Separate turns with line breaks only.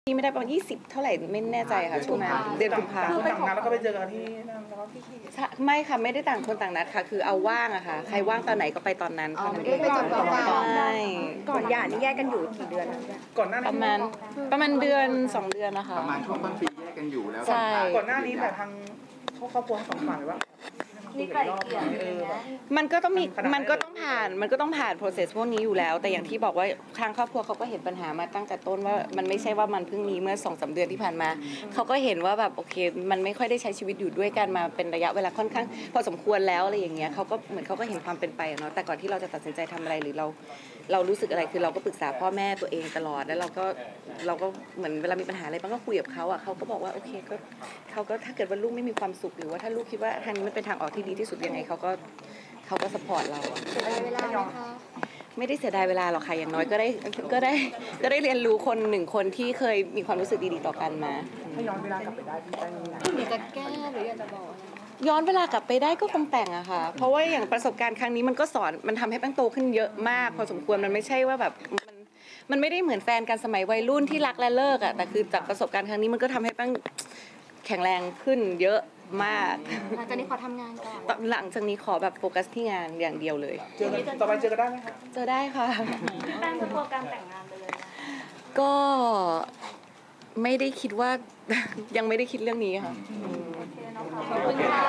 นี่ไม่ได้ประมาณ20เท่าไหร่ไม่แน่ใจค่ะช่วงนั้นเดือนกุมภาพันธ์
ต่างนัดแล้วก็ไปเจอกันที่นั่นแล้วก็พี่
ไม่ค่ะไม่ได้ต่างคนต่างนัดค่ะคือเอาว่างอะค่ะใครว่างตอนไหนก็ไปตอนนั้น
ไม่
เท่านั้นเอง
ได้ไปจนกว่า
ใช่
ก่อนหย่านี่แยกกันอยู่กี่เดือน
ก่อนหน้านี้
ประมาณเดือน2 เดือนนะคะ
ประมาณช่วงต้นปีแยกกันอยู่แล้ว
ใช่
ก่อนหน้านี้แบบทางครอบครัวทั้งสองฝ่ายว่า
มีไกลเกลี่ยอะไรอย่างเงี้ย
มันก็ต้องผ่าน process พวกนี้อยู่แล้วแต่อย่างที่บอกว่าทางครอบครัวเขาก็เห็นปัญหามาตั้งแต่ต้นว่ามันไม่ใช่ว่ามันเพิ่งมีเมื่อ 2-3 เดือนที่ผ่านมาเขาก็เห็นว่าแบบโอเคมันไม่ค่อยได้ใช้ชีวิตอยู่ด้วยกันมาเป็นระยะเวลาค่อนข้างพอสมควรแล้วอะไรอย่างเงี้ยเขาก็เหมือนเขาก็เห็นความเป็นไปเนาะแต่ก่อนที่เราจะตัดสินใจทำอะไรหรือเรารู้สึกอะไรคือเราก็ปรึกษาพ่อแม่ตัวเองตลอดแล้วเราก็เหมือนเวลามีปัญหาอะไรบ้างก็คุยกับเขาอ่ะเขาก็บอกว่าโอเคก็เขาก็ถ้าเกิดว่าลูกไม่มีความสุขหรือว่าถ้าลูกคิดว่าทางนี้มันเป็นทางออกที่ดีที่สุดยังไงเขาก็สปอร์ตเรา
เสียดายเวลาไหมคะ
ไม่ได้เสียดายเวลาหรอกค่ะอย่างน้อยก็ได้เรียนรู้คน1 คนที่เคยมีความรู้สึกดีๆต่อกันมา
ถ้าย้อนเวลากลับไปได้พี่แป้ง
อยากจะแก้หรืออยากจะบอก
ย้อนเวลากลับไปได้ก็คงแต่งอะค่ะเพราะว่าอย่างประสบการณ์ครั้งนี้มันก็สอนมันทำให้แป้งโตขึ้นเยอะมากพอสมควรมันไม่ใช่ว่าแบบมันไม่ได้เหมือนแฟนกันสมัยวัยรุ่นที่รักและเลิกอะแต่คือจากประสบการณ์ครั้งนี้มันก็ทำให้แป้งแข็งแรงขึ้นเยอะมาก
หลังจากนี้ขอทำงานก่อน
หลังจากนี้ขอแบบโฟกัสที่งานอย่างเดียวเลย
เจอกันต่อไปเจอกันได้ไหมคะ
เจอได้ค่ะ
แป้งโปรแกรมแต่งงานไปเลย
ก็ไม่ได้คิดว่ายังไม่ได้คิดเรื่องนี้ค่ะ
ขอบคุณค่ะ